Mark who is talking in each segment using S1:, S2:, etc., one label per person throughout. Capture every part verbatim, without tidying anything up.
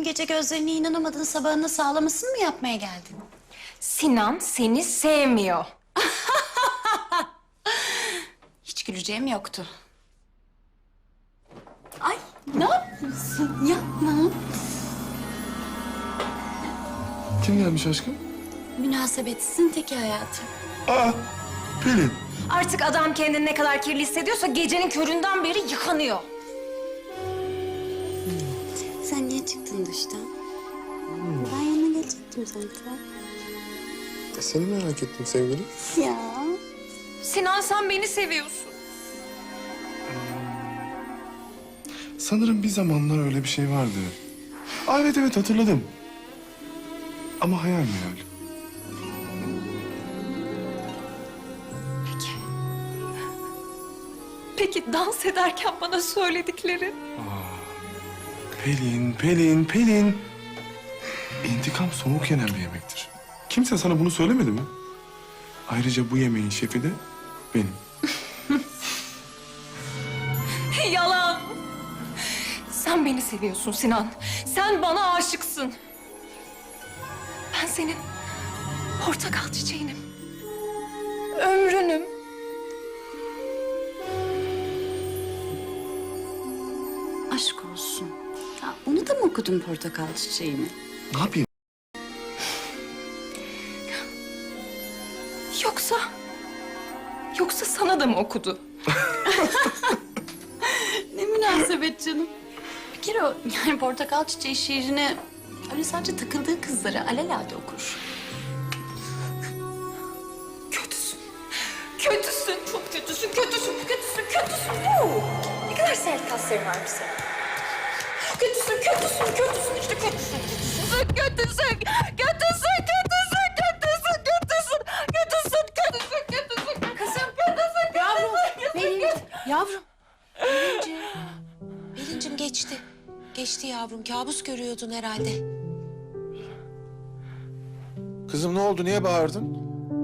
S1: dün gece gözlerine inanamadın, sabahına sağlamasını mı yapmaya geldin?
S2: Sinan seni sevmiyor.
S1: Hiç güleceğim yoktu. Ay, ne yapıyorsun? Yapma.
S3: Kim gelmiş aşkım?
S1: Münasebetsizin teki hayatım.
S3: Aa, Pelin.
S2: Artık adam kendini ne kadar kirli hissediyorsa gecenin köründen beri yıkanıyor.
S1: Sen niye çıktın duştan? Ben yanına gelecektim zaten.
S3: Seni merak ettim sevgilim.
S1: Ya.
S2: Sinan sen beni seviyorsun.
S3: Sanırım bir zamanlar öyle bir şey vardı. Aa, evet evet hatırladım. Ama hayal meyal.
S2: Peki. Peki dans ederken bana söyledikleri?
S3: Pelin, Pelin, Pelin. İntikam soğuk yenen bir yemektir. Kimse sana bunu söylemedi mi? Ayrıca bu yemeğin şefi de benim.
S2: Yalan. Sen beni seviyorsun Sinan. Sen bana aşıksın. Ben senin portakal çiçeğinim. Ömrünüm.
S1: Aşk olsun. Ya, onu da mı okudun portakal çiçeğini?
S3: Ne yapayım?
S2: Yoksa... Yoksa sana da mı okudu?
S1: Ne münasebet canım. Bir kere o yani portakal çiçeği şiirini öyle sadece takıldığı kızlara alelade okur.
S2: Kötüsün. Kötüsün. Çok kötüsün. Kötüsün. Kötüsün. Kötüsün. Oo! Ne kadar sert kasların varmış senin. Kötüsün. Kötüsün. Kötüsün. İşte kötüsün. Kötüsün. Kötüsün. Kötüsün. Kötüsün. Kötüsün. Kötüsün. Kötüsün. Kötüsün. Kötüsün. Kötüsün. Kızım. Kötüsün.
S4: Yavrum,
S2: Kötüsün.
S4: Pelin, yavrum. Pelinciğim, Pelinciğim geçti. Geçti yavrum, kabus görüyordun herhalde.
S5: Kızım ne oldu? Niye bağırdın?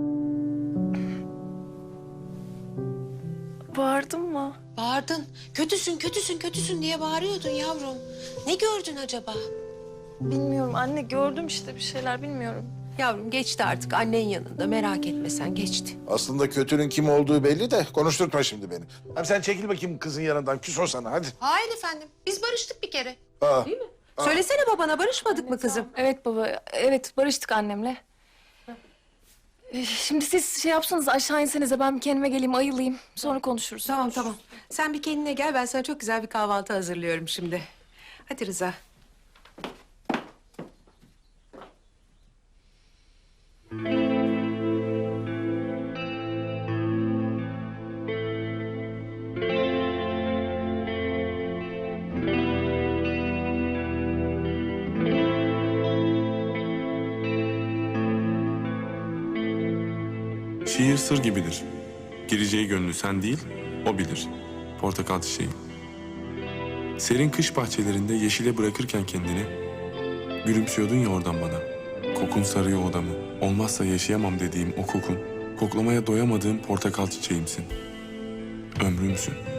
S2: Bağırdın mı?
S4: Bağırdın. Kötüsün, kötüsün, kötüsün diye bağırıyordun yavrum. Ne gördün acaba?
S2: Bilmiyorum anne. Gördüm işte bir şeyler. Bilmiyorum.
S4: Yavrum geçti artık annen yanında. Merak etme sen geçti.
S5: Aslında kötünün kim olduğu belli de konuşturtma şimdi beni. Hem sen çekil bakayım kızın yanından. Küs o sana hadi.
S4: Hayır efendim. Biz barıştık bir kere.
S5: Aa,
S4: Değil mi? Söylesene babana barışmadık mı kızım?
S2: Evet baba. Evet barıştık annemle. Ee, Şimdi siz şey yapsanız aşağı insenize ben bir kendime geleyim ayılayım. Sonra konuşuruz.
S4: Tamam tamam. Sen bir kendine gel. Ben sana çok güzel bir kahvaltı hazırlıyorum şimdi. Hadi Rıza.
S3: Şiir sır gibidir. Gireceği gönlü sen değil, o bilir. Portakal çiçeği. Serin kış bahçelerinde yeşile bırakırken kendini, gülümsüyordun ya oradan bana. Kokun sarıyor odamı. Olmazsa yaşayamam dediğim o kokun, koklamaya doyamadığım portakal çiçeğimsin. Ömrümsün.